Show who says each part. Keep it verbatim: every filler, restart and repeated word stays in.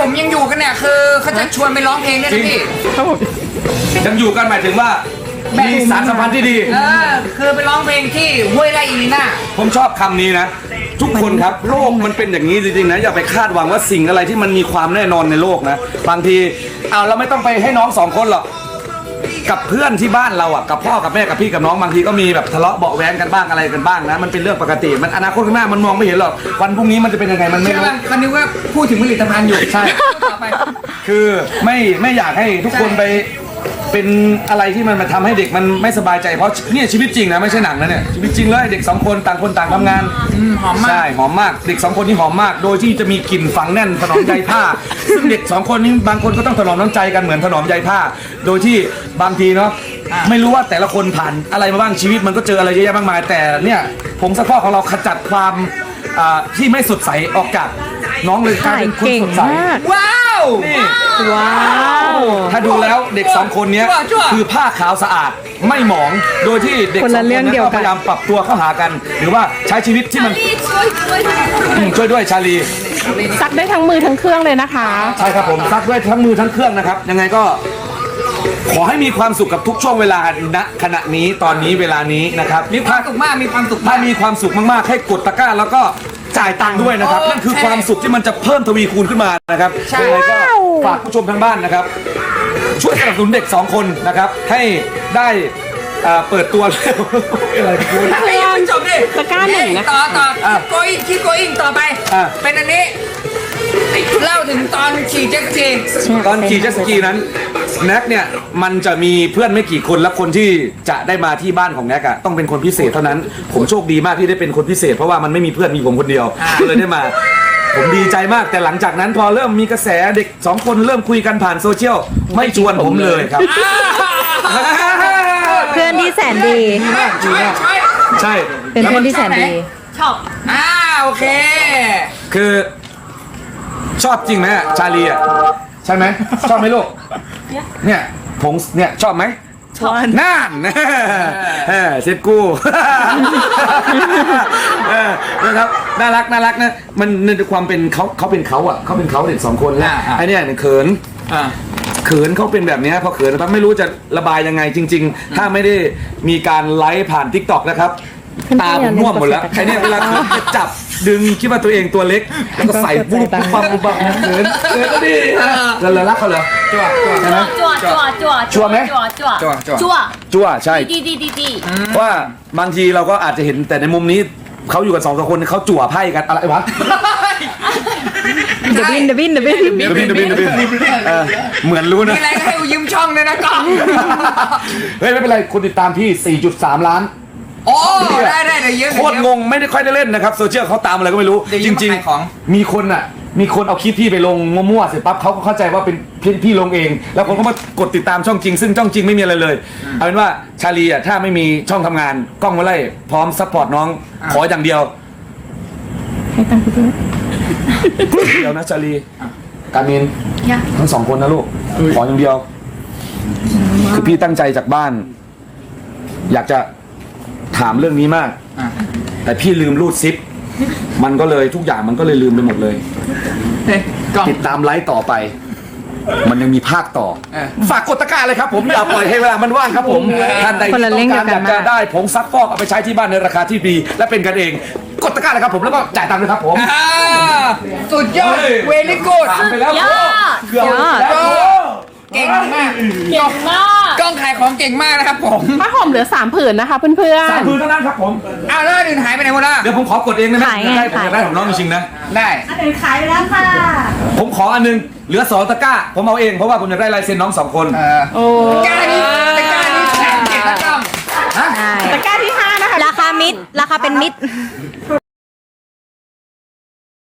Speaker 1: ผมยังอยู่กันเนี่ยคือเขาจะชวนไปร้องเพลงด้วยนะพี่
Speaker 2: ยังอยู่กันหมายถึงว่ามีสารสัมพันธ์ที่ดี
Speaker 1: เออคือไปร้องเพลงที่ห้วยไร่อีลีน่า
Speaker 2: ผมชอบคำนี้นะ ทุกคนครับโลกมันเป็นอย่างนี้จริงๆนะอย่าไปคาดหวังว่าสิ่งอะไรที่มันมีความแน่นอนในโลกนะบางทีเอาเราไม่ต้องไปให้น้องสองคนหรอกกับเพื่อนที่บ้านเราอ่ะกับพ่อกับแม่กับพี่กับน้องบางทีก็มีแบบทะเลาะเบาะแว้งกันบ้างอะไรกันบ้างนะมันเป็นเรื่องปกติมันอนาคตข้างหน้ามันมองไม่เห็นหรอกวันพรุ่งนี้มันจะเป็นยังไงมันไม่
Speaker 1: ใช่
Speaker 2: รู้
Speaker 1: ไหมคันนี้ว่าพูดถึงผลิตภัณฑ์อยู่ใช่ต่อไป
Speaker 2: คือไม่ไม่อยากให้ทุกคนไปเป็นอะไรที่มันมาทำให้เด็กมันไม่สบายใจเพราะเนี่ยชีวิตจริงนะไม่ใช่หนังนะเนี่ยชีวิตจริงเลยเด็กสองคนต่างคนต่างทำงาน
Speaker 1: อืมหอมมาก
Speaker 2: ใช่หอมมากเด็กสองคนนี่หอมมาก โดยที่จะมีกลิ่นฝังแน่นถนอมใยผ้า ซึ่งเด็กสองคนนี้บางคนก็ต้องถนอมน้ำใจกันเหมือนถนอมใยผ้า โดยที่บางทีเนาะไม่รู้ว่าแต่ละคนผ่านอะไรมาบ้างชีวิตมันก็เจออะไรเยอะแยะมากมายแต่เนี่ยผงซักฟอกของเราขจัดความอ่าที่ไม่สดใสออกจากน้องเลยกลายเป็นคนสดใส
Speaker 1: ว้าว
Speaker 2: นี่
Speaker 3: ว้าว
Speaker 2: ถ้าดูแล้วเด็กสองคนเนี้ย
Speaker 1: จั่วจั่ว
Speaker 2: คือผ้าขาวสะอาดไม่หมอง โดยที่เด็ก
Speaker 3: คน
Speaker 2: สอ
Speaker 3: ละ
Speaker 2: งคน
Speaker 3: เรื่อง
Speaker 2: นั้น
Speaker 3: เดียว
Speaker 2: ก็
Speaker 3: กัน
Speaker 2: พยายามปรับตัวเข้าหากัน หรือว่าใช้ชีวิตที่มันอืมช่วยด้วยชาลี
Speaker 3: ซักได้ทั้งมือทั้งเครื่องเลยนะคะ
Speaker 2: ใช่ครับผมซักด้วยทั้งมือทั้งเครื่องนะครับ ยังไงก็ขอให้มีความสุขกับทุกช่วงเวลาณขณะนี้ตอนนี้เวลานี้นะครับ
Speaker 1: มีความสุขมากมีความสุข
Speaker 2: ถ้าม
Speaker 1: าก
Speaker 2: มีความสุขมากๆให้กดตะกร้าแล้วก็จ่ายตังค์ด้วยนะครับ
Speaker 1: โอเค
Speaker 2: นั่นคือความสุขที่มันจะเพิ่มทวีคูณขึ้นมานะครับ
Speaker 1: ใช่
Speaker 2: ยังไงก็ฝากผู้ชมทางบ้านนะครับ ช่วยสนับสนุนเด็กสองคนนะครับ ให้ได้เอ่อเปิดตัว อะไรกันคุณ
Speaker 1: ไอ้ยังไม่จบดิ
Speaker 3: ตะกร้าหนึ่งนะคะ
Speaker 1: ต่อต่อ
Speaker 2: อ่ะ
Speaker 1: โกอิงคิดโกอิงต่อไป
Speaker 2: อ่ะ
Speaker 1: เป็นอันนี้เล่าถึงตอนขี่เจ็ตสกี
Speaker 2: ตอนขี่เจ็ตสกีนั้นแน็กเนี่ยมันจะมีเพื่อนไม่กี่คนและคนที่จะได้มาที่บ้านของแน็กอะต้องเป็นคนพิเศษเท่านั้น ผมโชคดีมากที่ได้เป็นคนพิเศษ เพราะว่ามันไม่มีเพื่อนมีผมคนเดียวก็เลยได้มา ผมดีใจมากแต่หลังจากนั้นพอเริ่มมีกระแสเด็กสองคนเริ่มคุยกันผ่านโซเชียลไม่ชวนผมเลยครับ
Speaker 3: เพื่อนที่แสนดี
Speaker 1: ช่วยช่วย
Speaker 2: ใช่
Speaker 3: เป็นเพื่อนที่แสนดี
Speaker 1: ชอบอ่าโอเค
Speaker 2: คือชอบจริงไหมอะชาลีอ่ะใช่ไหมชอบไหมลูกเนี่ยผมเนี่ยชอบไหม
Speaker 3: ชอบ
Speaker 2: น่านเออเซ็ตกู้เออนะครับน่ารักน่ารักนะมันในความเป็นเขาเขาเป็นเขาอ่ะเขาเป็นเขาเด็กสองคนแล้ว
Speaker 1: อ่าอ่า
Speaker 2: ไอ้เนี่ยเนี่ยเขิน
Speaker 1: อ่า
Speaker 2: เขินเขาเป็นแบบเนี้ยพอเขินแล้วไม่รู้จะระบายยังไงจริง ๆ ถ้าไม่ได้มีการไลฟ์ผ่านทิกตอกนะครับตาผมม่วงหมดแล้วไอ้เนี่ยเวลาจะจับดึงคิดว่าตัวเองตัวเล็กแล้วก็ใส่ปุ๊บปุ๊บปั๊บปุ๊บปั๊บเขินเขินก็ดีแล้วเรารักเขาเหรอ
Speaker 1: จั่วจั่ว
Speaker 2: ใช่ไหม
Speaker 4: จั่วจั่วจั่ว
Speaker 2: ชัวร์ไหม
Speaker 4: จั่วจั่ว
Speaker 1: จั่วจั่ว
Speaker 4: จั่ว
Speaker 2: จั่วใช่
Speaker 4: ดีดีดีดี
Speaker 2: ว่าบางทีเราก็อาจจะเห็นแต่ในมุมนี้เขาอยู่กันสองสามคนเขาจั่วไพ่กันอะไรวะ
Speaker 3: เดบินเดบินเดบิน
Speaker 2: เดบินเดบินเดบินเออเหมือนรู้นะ
Speaker 1: มีอะไรก็ให้ยืมช่องเลยนะกล้อง
Speaker 2: เฮ้ยไม่เป็นไรคนติดตามพี่ สี่จุดสาม ล้าน
Speaker 1: โอ้ได้ได้เดี๋ยวเยอะ
Speaker 2: โคตรงงไม่ได้ค่อยได้เล่นนะครับโซเชียลเขาตามอะไรก็ไม่รู้
Speaker 1: เดี๋ยว
Speaker 2: จ
Speaker 1: ยืม
Speaker 2: ริง
Speaker 1: มาขายของ
Speaker 2: ๆ มีคนอ่ะ มีคนเอาคลิปพี่ไปลงมั่วๆเสร็จปั๊บเขาก็เข้าใจว่าเป็นพี่พี่ลงเอง แล้วคนก็มากดติดตามช่องจริง ซึ่งช่องจริงไม่มีอะไรเลย เอาเป็นว่าชาลีอ่ะถ้าไม่มีช่องทำงานกล้องมาไล่พร้อมซัพพอร์ตน้องขออย่างเดียว
Speaker 3: ให้ตังค์คุณด้วย
Speaker 2: เดียวนะชาลีการมิน
Speaker 4: ยะ
Speaker 2: ทั้งสองคนนะลูกขออย่างเดียว คือพี่ตั้งใจจากบ้าน อยากจะถามเรื่องนี้มาก
Speaker 1: อ่ะ
Speaker 2: แต่พี่ลืมรูดซิป มันก็เลยทุกอย่างมันก็เลยลืมไปหมดเลย
Speaker 1: เฮ้ยกล้อง
Speaker 2: ติดตามไลฟ์ต่อไป มันยังมีภาคต่อ
Speaker 1: เออ
Speaker 2: ฝากกดตะกร้าเลยครับผมอย่าปล่อยให้เวลามันว่างครับผมท่านใด
Speaker 3: คนละ
Speaker 2: ที่
Speaker 3: เรื่
Speaker 2: ต้
Speaker 3: อ
Speaker 2: อง ง
Speaker 3: เดี
Speaker 2: การ
Speaker 3: ยวกั
Speaker 2: อน ยากจะ
Speaker 3: มาก
Speaker 2: ได้ผงซักฟอกเอาไปใช้ที่บ้านในราคาที่ดี และเป็นกันเอง กดตะกร้าเลยครับผมแล้วก็จ่ายตังค์ด้วยครับผม
Speaker 1: อ่าสุดยอด
Speaker 2: เฮ้ย
Speaker 1: เวลิกูด
Speaker 2: ถามไปแล้ว
Speaker 4: ยอด
Speaker 2: เกือบ
Speaker 3: ยอด
Speaker 2: แล้ว
Speaker 1: เก่งมาก
Speaker 4: เก่งมาก
Speaker 1: กล้องขายของเก่งมากนะครับผม
Speaker 3: ผ้าห่มเหลือสามผืนนะคะเพื่อน
Speaker 2: สามคืนเท่านั้นครับผม
Speaker 1: อ้าวแล้วอื่นหายไปไหนหมดล่ะ
Speaker 2: เดี๋ยวผมขอกดเองได้ไหม
Speaker 3: ขายไง
Speaker 2: ได้ผมอยาก
Speaker 3: ขาย
Speaker 2: ได้ของน้องจริงๆนะ
Speaker 1: ได้
Speaker 4: อันอื่นขายไปแล้วค่ะ
Speaker 2: ผมขออันนึงเหลือสองตะกร้า ผมเอาเองเพราะว่าผมอยากได้ลายเซ็นน้องสองคน
Speaker 1: เออ
Speaker 3: ๆ โอ้
Speaker 1: กล้านี้ตะกร้านี้แสนเจ็ดนะกล้อง
Speaker 3: ตะกร้าที่ห้านะคะ
Speaker 5: ราคามิดราคาเป็นมิด